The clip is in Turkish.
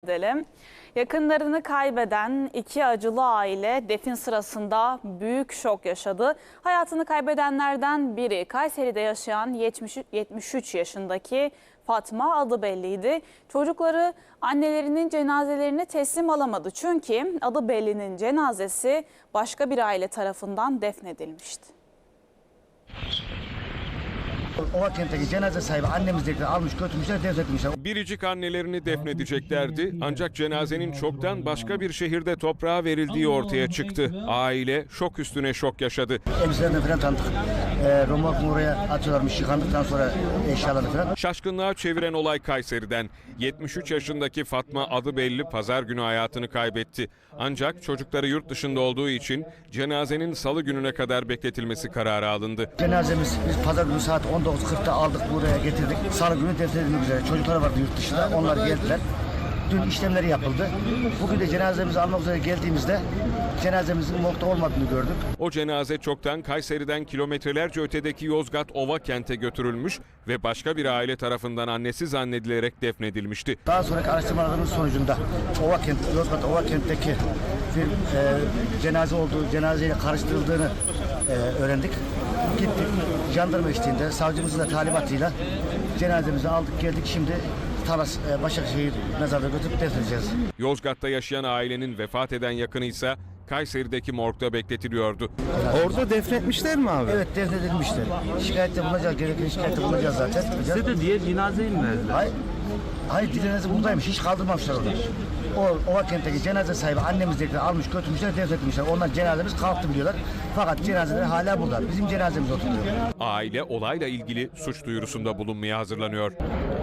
Edelim. Yakınlarını kaybeden iki acılı aile defin sırasında büyük şok yaşadı. Hayatını kaybedenlerden biri Kayseri'de yaşayan 73 yaşındaki Fatma, adı belliydi. Çocukları annelerinin cenazelerini teslim alamadı. Çünkü adı bellinin cenazesi başka bir aile tarafından defnedilmişti. Ovakent'teki cenaze sahibi annemizdekileri almış götürmüşler, defnetmişler. Biricik annelerini defnedeceklerdi ancak cenazenin çoktan başka bir şehirde toprağa verildiği ortaya çıktı. Aile şok üstüne şok yaşadı. Elbiselerini falan tanıdık. Romorkunu oraya atıyorlarmış yıkandıktan sonra eşyalarını falan. Şaşkınlığa çeviren olay Kayseri'den. 73 yaşındaki Fatma, adı belli, pazar günü hayatını kaybetti. Ancak çocukları yurt dışında olduğu için cenazenin salı gününe kadar bekletilmesi kararı alındı. Cenazemiz biz pazar günü saat 19.40'da aldık, buraya getirdik. Salı günü defnedilmek üzere. Çocuklar vardı yurt dışında, onlar geldiler. Dün işlemleri yapıldı. Bugün de cenazemizi almak üzere geldiğimizde cenazemizin morgda olmadığını gördük. O cenaze çoktan Kayseri'den kilometrelerce ötedeki Yozgat Ovakent'e götürülmüş ve başka bir aile tarafından annesi zannedilerek defnedilmişti. Daha sonraki araştırmalarımız sonucunda Yozgat Ovakent'teki bir cenazeyle karıştırıldığını öğrendik. Gittik, jandarma eşliğinde, savcımızın da talimatıyla cenazemizi aldık geldik. Şimdi Talas Başakşehir mezarına götürüp defnedeceğiz. Yozgat'ta yaşayan ailenin vefat eden yakını ise Kayseri'deki morgda bekletiliyordu. Orada defnetmişler mi abi? Evet, defnedilmiştir. Şikayette bulunacağız, gereken şikayette bulunacağız zaten. Size de diğer cenazeyi mi verdiler? Hayır, dilenezi buradaymış, hiç kaldırmamışlar orada. O Ovakent'teki cenaze sahibi annemizdekileri almış götürmüşler, defnetmişler. Ondan cenazemiz kalktı biliyorlar. Fakat cenazeler hala burada. Bizim cenazemiz oturuyor. Aile olayla ilgili suç duyurusunda bulunmaya hazırlanıyor.